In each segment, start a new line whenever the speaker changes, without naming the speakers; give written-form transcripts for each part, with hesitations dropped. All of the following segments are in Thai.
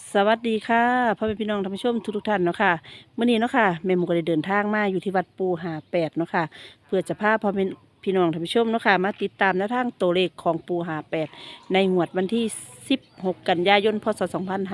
สวัสดีค่ะพ่อแม่พี่น้องท่านผู้ชมทุกท่านเนาะค่ะเมื่อนี้เนาะค่ะแม่หมูก็ได้เดินทางมาอยู่ที่วัดปูหาแปดเนาะค่ะเพื่อจะพาพ่อแม่พี่น้องท่านผู้ชมเนาะค่ะมาติดตามแนวทางตัวเลขของปูหาแปดในงวดวันที่16กันยายนพศ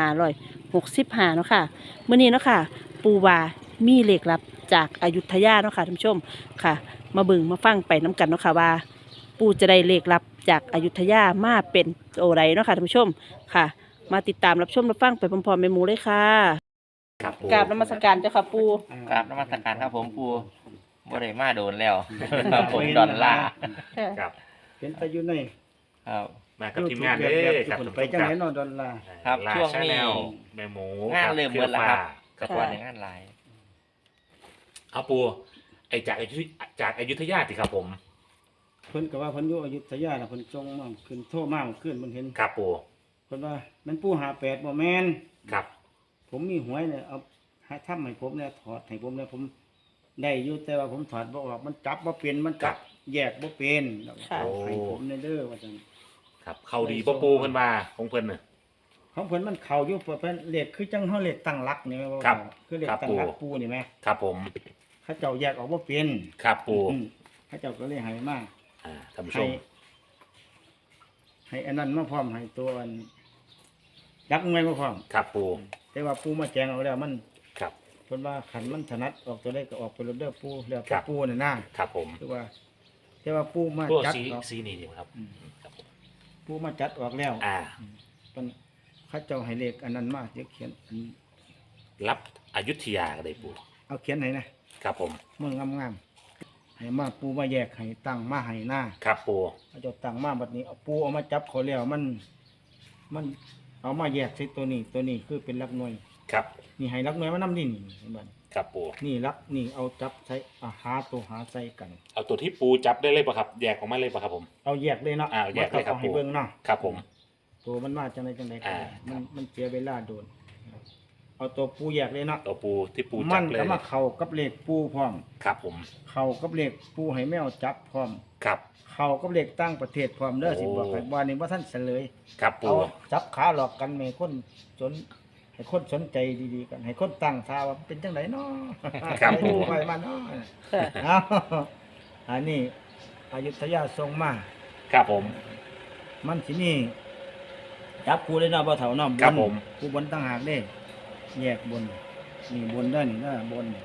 2565เนาะค่ะเมื่อนี้เนาะค่ะปูว่ามีเลขลับจากอยุธยาเนาะค่ะท่านผู้ชมค่ะมาเบิ่งมาฟังไปน้กันเนาะค่ะว่า ปูจะได้เลขลับจากอยุธยามาเป็นโอไรเนาะค่ะท่านผู้ชมค่ะ มาติดตามรับชมรับฟังไปพร้อมๆแม่หมูเลยค่ะ
ครับปู
กราบนมัสการเจ้าค่ะปู
กราบนมัสการครับผมปูบ่ได้มาโดนแล้วครับผมดอนล่า
ครับ
เป็นไปอยู่ใน
ครับ
มากับทีมงานเด้อครับ
ไปจังไหนเนอนดอลลาร์
ครับ
ลา
ช่วงนี้
ชาแนลแม่หมู
งานเริ่มหมดแล้วครับ
ครั
กั
บบ
วันในงานหลาย
เอาปูไอจากอยุธยาสิครับผม
เพิ่นก็ว่าเพิ่นอยู่อยุธยาน่ะเพิ่นส่งมาขึ้นโทรมาขึ้นเพิ่นเห็น
ครับปู
เพิ่นว่ามันปู่58บ่แม่น
ครับ
ผมมีหวยเนี่ยเอาให้ทำให้ผมเนี่ยถอดให้ผมเนี่ยผมได้อยู่แต่ว่าผมถอดบ่ออกมันจับบ่เป็นมันจับแยกบ่เป็นเอาให้ผมเนี่ยเด้อว่าจัง
ครับเข้าดีบ่ปูเพิ่นว่าของเพิ่นน่ะ
ของเพิ่นมันเข้าอยู่เพิ่นเลขคือจังเฮาเลขตั้งหลักนี่แม่ว่า
ครับ
คือเลข
ครับ
ตั้งหลัก
ปู่
ปู่นี่แม่
ครับผม
เขาเจ้าแยกออกบ่เป็น
ครับปู
เขาเจ้าก็เลยให้มา
ท่านผู้ช
ให้
ม
ให้อันนั้นมาพร้อมให้ตัวอันยักษ์เงยมาพร้อม
ครับปู
แต่ว่าปูมาแจงเอาแล้วมัน
ครับ
เพิ่นว่าขันมันถนัดออกตัวได้ก็ออกไปรถเด้อปูแล้ว
ครั
แต่
บ
ปูน่ะนะครับ
ผม
คือว่า แต่ว่าปูมา
พวก
จัด
สี
ออก
สีนี่ดีครับ
อืม
ครับผม
ปูมาจัดออกแล้ว
อ่า
เพิ่นเขาเจ้าให้เลขอันนั้นมาเดี๋ยวเขียนอัน
รับอยุธยาก็ได้ปู
เอาเขียนให้นะครับ
ผม
เมืองงามๆให้มาปูมาแยกให้ตั้งมาให้หน้า
ครับปู
เขาเจ้าตั้งมาบัดนี้เอาปูเอามาจับเขาแล้วมันเอามาแยกใส่ตัวนี้คือเป็นหลักหน่วย
ครับ
นี่ให้หลักหน่วยมานำนี่เห็นบ่
ครับปู
นี่ลักนี่เอาจับใส่หาตัวหาใส่กัน
เอาตัวที่ปูจับได้เลยป่ะครับแยกออกมาเลยป่ะครับผม
เอาแยกเลยเนาะ
แยกเลยครับ
อาให้เบิ่งเนาะ
ครับผม
ตัวมันมาจังไดจังไดก็ได้
ครั
มั
บ
มันเสียเวลาโดนเอาตัวปูแยกเลยเนาะ
ตัวปูที่ปู
มั
จับ
น
เลย
ก็มาเข้ากับเลขปูพร้อม
ครับผม
เข้ากับเลขปูให้แมวจับพร้อม
ครับ
เข้ากับเลขตั้งประเทศพร้อมเด้อ
โอ้
สิบอกให้ว่านี่บ่ทันเฉลย
ครับปู
เอาจับขาหลอกกันให้คนสนให้คนสนใจดีๆกันให้คนตั้งท่าว่าเป็นจังไดเนาะ
ครับปู
ไปมาเนาะ
ค่ะ
เอาอันนี้อยุธยาทรงมา
ครับผม
มันสินี่จับกูเลยเนาะบ่เฒ่าเนาะ
ครับผม
กูบนต่างหากเด้ แยกบน นี่บนเด้อนี่เด้อบน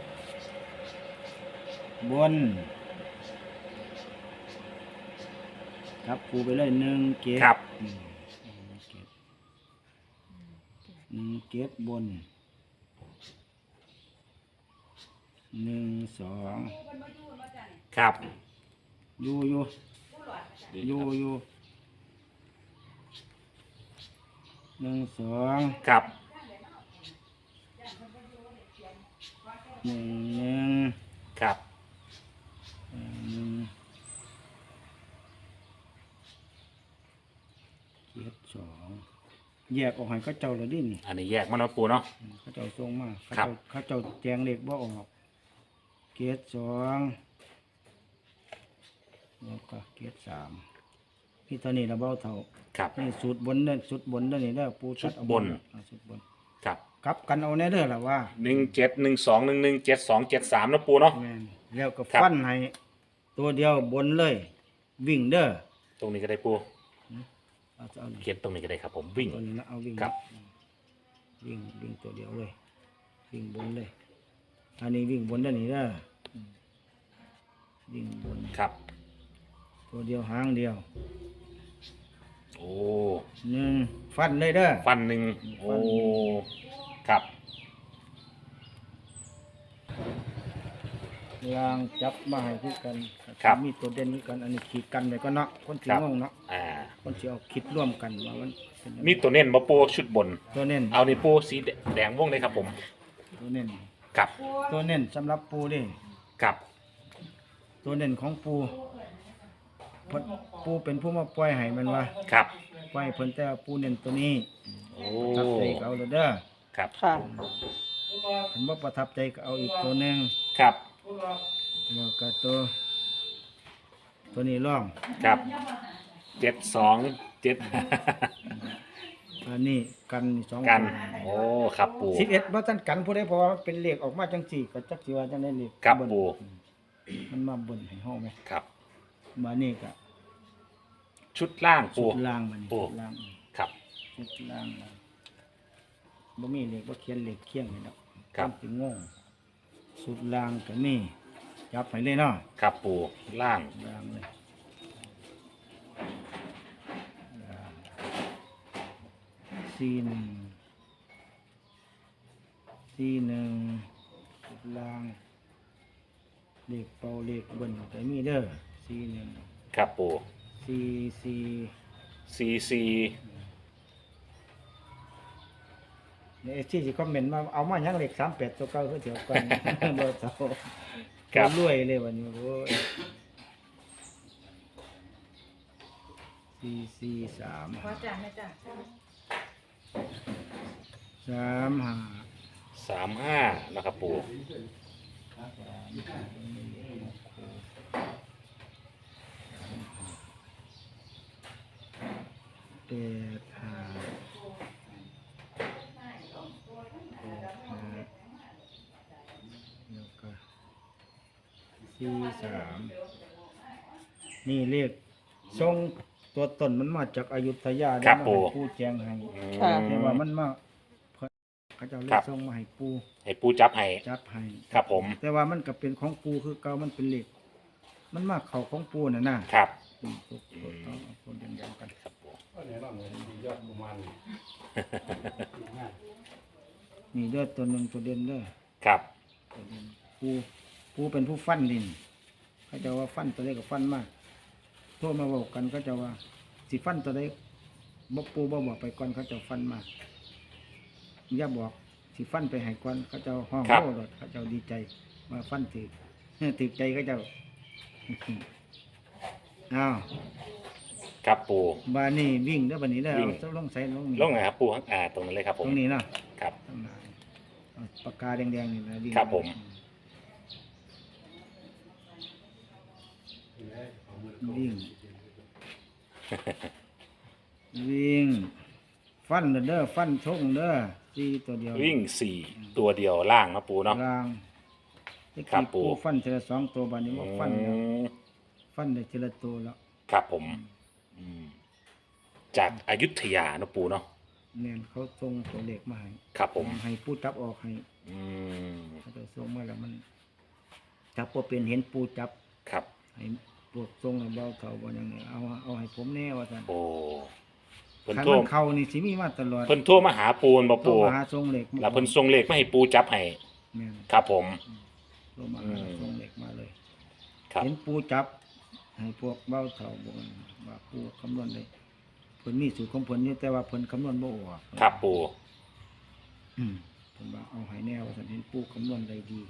บนจับกูไปเลย1 เกต
ครับ
1 เกตบน1 2
ครับ
อยู่1 2
ครับ
1
ครับ
เกียร2แยกออกให้เขาเจ้าเลยดินี่
อันนี้แยกมาแล้วปูเนาะ
เขาเจ้าส่งมาเขา
ครับ
เจ้าแจงเลขบ่ออกเกียร2แล้วก็เกียร3พี่ตอนนี้เราเบาเท่า
ครับ
นี่สูตรบนเด้อสูตรบนเด้อนี่เด้อปูตัดเอา
สูตรบน
สูตรบน
ครับ
กลับกันเอาแน่เด้อล่ะว่า
1712117273นะปูเนาะ
แม่นแล้วก็
ครับ
ฟันให้ตัวเดียวบนเลย วิ่งเด้อ
ตรงนี้ก็ได้ปู
เอานี่
เขียนตรงนี้ก็ได้ครับผมวิ่ง
ตัวนี้นะเอาวิ่ง
ครับ
วิ่งตัวเดียวเลย วิ่งบนเลย อันนี้วิ่งบนได้นี่เด้อวิ่งบน
ครับ
ตัวเดียวหางเดียว
โอ้
1ฟันเลยเด้อ
ฟันหนึ่งโอ้ ครับ
ลางจับมาให้คือกัน
ครับ
มีตัวเด่นคือกัน อันนี้ขีดกันไปก็เนาะคนสิ
ครับ
งงเนาะ
อ่า
คนสิเอาคิดร่วมกันว่ามันเป็นยังไง
มีตัวเน้นมาปูชุดบน
ตัวเน้น
เอานี่ปูสีแดงวงเลยครับผม
ตัวเน้น
ครับ
ตัวเน้นสำหรับปูเด้
ครับ
ตัวเน้นของปูเพิ่นปูเป็นผู้มาปล่อยให้มันว่า
ครับ
ปล่อยให้เพิ่นแต่ว่าปูเน้นตัวนี้
โอ้
ประทับใจก็เอาเลยเด้อ
ครับ
ค่ะ
เห็นว่าประทับใจก็เอาอีกตัวหนึง
ครับ
แล้วก็ตัวนี้ร่อง
ครับ72 7
อันนี้กันนี่2
กันโอ้ครับปู
11บ่ทันกันผู้ใดเพราะว่ามันเป็นเลขออกมาจังซี่ก็จักสิว่าจังได๋เลข
ครับ
เบิ่น
ปู
มันมาเบิ่นให้เฮาแหม
ครับ
มานี่ก็
ชุดล่างปู
ชุดล่างมัน
ปู
ชุดล่าง
ครับ
ชุดล่างมาบ่มีเลขบ่เขียนเลขเคียงให้ดอก
ครับ
มันสิงงชุดล่างก็มีจับให้เลยเนาะ
ครับปูล่าง
ล่างเลยล่าง41ชุดล่างเลขเป่าเลขเบิ่นก็มีเด้อ41
ครับปู
44
CC
เนี่ยที่สิคอมเมนต์มาเอามาหยังเลข38ตัวเก่าคือเดี๋ยวก่อน บ่เท่า
ครับ
รวยเลยวันนี้โอ้ย443
ขอจ้าแม่จ้า
35นะครับปู
แล้วก็43นี่เลขทรงตัวตนมันมาจากอยุธยา
ครับ
มา
ปู่
ให้ปู่แจ้งให้
ค่ะ
แต่ว่ามันมาเพิ่นเขาเจ้าเล
ครั
ข
บ
ส่งมาให้ปู่
ให้ปูจับให้
จับให้
ครับผม
แต่ว่ามันก็เป็นของปู่คือเก่ามันเป็นเลขมันมาเข้าของปู่น่ะนะครับ ตัวต้องเอาคนเดียวกัน
ครับปู
นี่เด้อตัวหนึงตัวเด่นเด้อ
ครับ
ตัวเด่นปู่เป็นผู้ฟันดินเขาเจะว่าฟันตัวใดก็ฟันมาโทรมาบอกกันเขาเจะว่าสิฟันตัวใดบ่ปู่บ่บอกไปก่อนเขาเจะฟันมาอย่าบอกสิฟันไปให้ก่อนเขาเจะห้องโอ้รถเขาเจะดีใจมาฟันถือ ถือใจเขาเจะ อ้าว
ครับปู
บ้านนี้วิ่งเด้อบ้านนี้เด้อ
วิ่ง
เอาลงใส่ลงนี่
ลงไหนครับปูตรงนั้นเลยครับผ
ต
ม
รงนี้เนาะ
ครับ
ตั้งนานเอาปากกาแดงๆนี่นะวิ่ง
ครับผม
วิ่ง วิ่ง ฟันเด้อฟันทงเด้อสี่ตัวเดียว
วิ่ง4ตัวเดียวล่างนะปูเนาะ
กลางที่
ครับปู่
ฟันทีละ2ตัวบัดนี้ว่าฟันแล้ว
อืม
ฟันได้ทีละตัวแล้ว
ครับผมอืมจากอยุธยานะปูเนาะ
แม่นเขาส่งตัวเลขมาให้
ครับผม
ให้ปูจับออกให้
อืม
เขาจะส่งมาแล้วมันจับบ่เป็นเห็นปูจับ
ครับ
ให้พวกทรงแล้วเบาเขาบ่ยังไงเอาให้ผมแน่ว่าซั่น
โอ้เพิ่น
คัน
โทร
มันเข้านี่สิมีมาตลอด
เพิ่นโทรมาหาปูนบ่
โทร
ปู
มาหาทรงเหล็ก
แล้วเพิ่นส่งเลขมาให้ปูจับให้
แม่น
ครับผม
โทรมาหา
อืม
ทรงเหล็กมาเลย
ครับ
เห็นปูจับ ให้พวกเบาเฒ่าบ่ว่าปูคำนวณได้เพิ่นมีสูตรของเพิ่นอยู่แต่ว่าเพิ่นคำนวณบ่ออก
ครับปู
เพิ่นว่าเอาให้แน่ว่าซั่นเห็นปูคำนวณได้ดี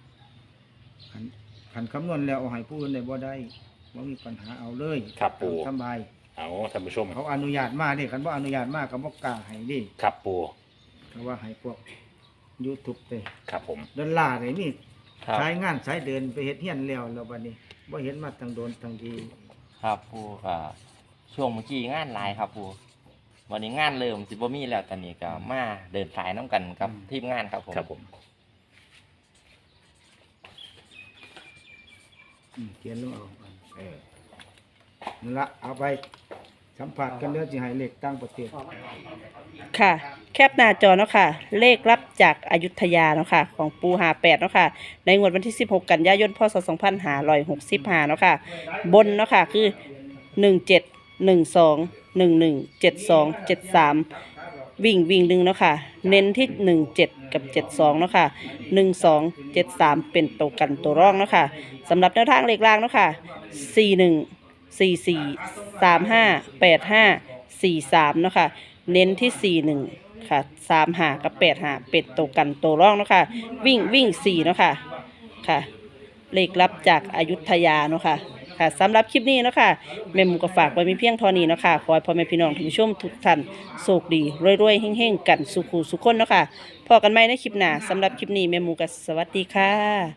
คันคำนวณแล้วเอาให้ผู้อื่นได้บ่ได้บ่มีปัญหาเอาเลย
ครับปู
สำบาย
เอาท่านผู้ชม
เขาอนุญาตมาเด้คันบ่อนุญาตมาก็บ่กล้าให้เดิ
ครับปู
เขาว่าให้พวก YouTube ไป
ครับผม
ดอลลาร์นี่มี
ครับ
สายงานสายเดินไปเฮ็ดเฮียนแล้วบัดนี้บ่เห็นมาตั้งโดนตั้งที
ครับปูก็ช่วงเมื่อกี้งานหลายครับปูวันนี้งานเริ่มสิบ่มีแล้วตอนนี้ก็มาเดินสายน้ำกันกับทีมงานครับผม
ครับผม
เขียนลงเอานั่นละเอาไปสัมผัสกันเด้อสิให้เลขต่างประเทศ
ค่ะ แคปหน้าจอเนาะค่ะ เลขรับจากอยุธยาเนาะค่ะ ของปู58เนาะค่ะ ในงวดวันที่ 16 กันยายน พศ 2565เนาะค่ะ บนเนาะค่ะ คือ 17 12 11 72 73 วิ่งหนึ่งเนาะค่ะ เน้นที่ 17 กับ 72เนาะค่ะ 12 73 เป็นตัวกันตัวร่องเนาะค่ะสำหรับแนวทางเลขล่างเนาะค่ะ 41 44 35 85 43เนาะค่ะ เน้นที่ 41 ค่ะ 35 กับ 85 เป็นตัวกันตัวร่องเนาะค่ะ วิ่ง 4 เนาะค่ะ ค่ะ เลขลับจากอยุธยาเนาะค่ะ ค่ะสำหรับคลิปนี้เนาะค่ะแม่หมูก็ฝากไว้มีเพียงเท่านี้เนาะค่ะ ขอให้พ่อแม่พี่น้องท่านผู้ชมทุกท่านโชคดีรวยๆเฮงๆกันสุขุสุขคนเนาะค่ะพอกันใหม่ในคลิปหน้าสำหรับคลิปนี้แม่หมูก็สวัสดีค่ะ